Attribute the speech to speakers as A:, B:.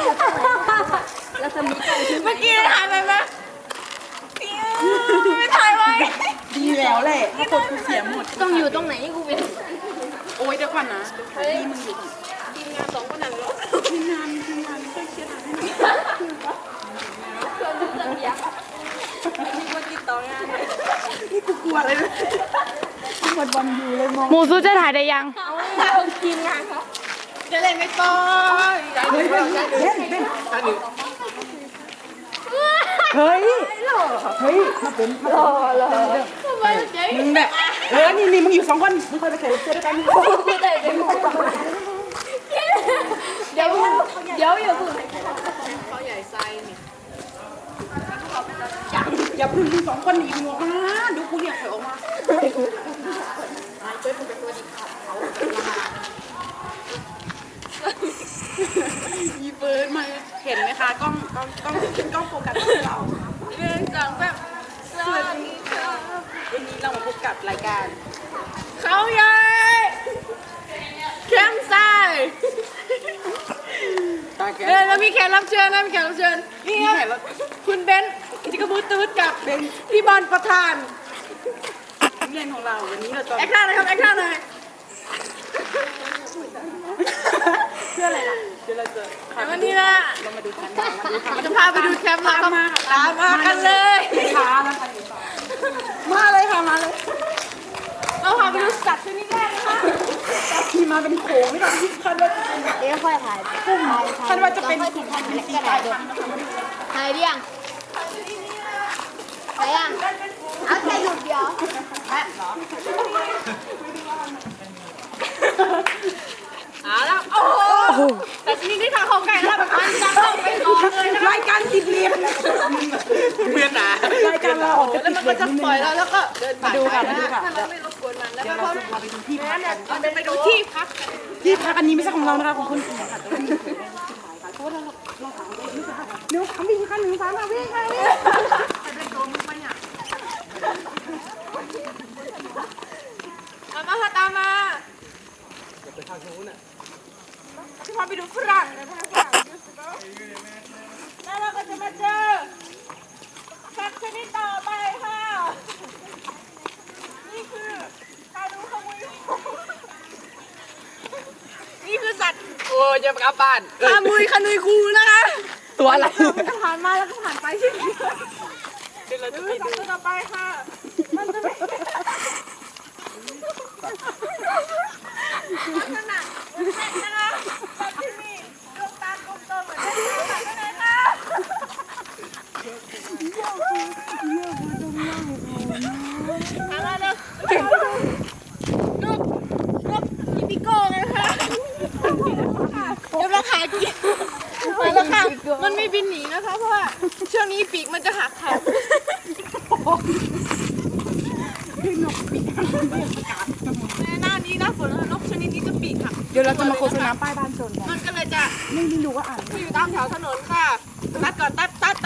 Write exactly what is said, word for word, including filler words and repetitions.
A: แล้วจะมีกล้องที่
B: เมื่อกี้ถ่ายไปไหมไม่ถ่ายไว้
C: ดีแล้วแหละถ้ากดกูเสียหมด
A: ต้องอยู่ตรงไหนกูเป็น
C: โอ้ยเดี๋ยวก่อนนะนี่มึงอยู่
B: ทีมงานสองคนนั้นเหรอ
C: ทีมงานทีมงานไม่ค่อยเครียดอะไร
B: มีคนติดต่องานเลย
C: นี่กูกลัวเลยหมดวันอยู่เลยมอง
D: หมูซูจะถ่ายได้ยัง
B: เอาทีมงานเขาจะเล่นไม่ต่อ
C: เฮ้ยเล่นเล่นเล่นเฮ้ยเฮ้ยมาเป็นมาเป็นมึงแบบเออนี่นี่มึงอยู่สองคนมึงคอยไปแข่งเจอด้วยกัน
A: เดี๋ยวเดี๋ยวอย่าพึ่ง
B: เขาใหญ่ไซนี่
C: อย่าพึ่งมึงสองคนหนีมึงออกมาดูกูเรียกถอยออกมาอีเฟิร์นมาเห็นไหมคะกล้องกล้องกล้องกล้องโฟกัสที่เรา
B: เรื่องจังแบบสวัสดีค่ะ
C: วันนี้เรามาพบกับรายการ
B: เขาใหญ่แคมป์ไซเออแล้วมีแขกรับเชิญนะมีแขกรับเชิญนี่ครับคุณเบนซ์จิกบูตูดกับพี่บอลประธาน
C: เรียนของเราวันนี้เราจะ
B: แอคท่าหน่อยครับแอคท่าหน่อย
C: เพื่ออะไรล่ะเดี๋ยวเราจะ
B: แต่วันนี้นะ
C: เรามาดูกันมาดูกัน
B: จะพาไปดูแคมป์เราครับตามมากันเลย
C: ช้านะคะมาเลยค่ะมาเลย
B: เราพาไปดูสัตว์ชนิดแรกนะคะ
C: ที่มาเป็นโขงไม่ต้องคาดว่าจะเป็น
A: เดี๋ยวค่อยถ่าย
C: คาดว่าจะเป็นกลุ่มพันธุ์เป็นสีกลายพันธุ์นะคะ
A: ถ่ายเรียงถ่ายยังเอาแค่หยุดเดียว
B: เอาละโอ้โหแต่ชนิดที่ทางของไก่ระดับพันจะต้องไปก่อนเลยนะคะ
C: รายการติดเรียนเพื่อนหนารายการเราออกจะ
B: แล้วมันก็จะปล่อยเราแล้วก็เดินผ่าน
C: ดูค่ะ
B: ไป
C: มาดู
B: นะ
C: ค่ะ
B: ถ้าเราไม่รบกวนมันแล้ว
C: เดี๋ยว
B: ก็
C: เราจะพาไปดูที่พักกัน
B: เราจะไปดูที่พักกัน
C: ที่พักอันนี้ไม่ใช่ของเรานะคะของคนอื่นค่ะแต่ว่ามีคนได้มาถ่ายค่ะเพราะว่าเราเราถามไปนี่ค่ะเดี๋ยวถามวิ่งค่ะหนึ่งสามค่ะวิ่งค่ะวิ่ง
B: ตามมาค่ะตามมาจะไปทางนู้นอ่ะที่พาไปดูฝรั่งนะพาฝรั่งดูสิแล้วเราก็จะมาเจอสัตว์ชนิดต่อไปค่ะนี่คือคานูขมุยนี่คือสัตว์
C: โอ้ยจะกลับบ้าน
B: คามุยขนุยคูนะคะ
C: ตัวอะไร
B: มันจะผ่านมาแล้วก็ผ่านไปใช่ไหมเดี๋ยวเราจะไปดูต่อไปค่ะมันจะไม่ลักษณะมันเป็นนะคะสัตว์ที่มีดวงตากลมโตเหมือนได้ดูค่ะข้างในค่ะถามมาเลยนกนกอีปิโก้ไงคะเดี๋ยวเราขายกินไปแล้วค่ะมันไม่บินหนีนะคะเพราะว่าช่วงนี้ปีกมันจะหักค่ะในหน้านี้หน้าฝนนกชนิดนี้จะปีกหัก
C: เดี๋ยวเราจะมาโฆษณาป้ายบ้านโจรกัน
B: มันก็เลยจะ
C: ไม่รู้ว่าอ่าน
B: อยู่ตามแถวถนนค่ะตัดก่อนตัดตัด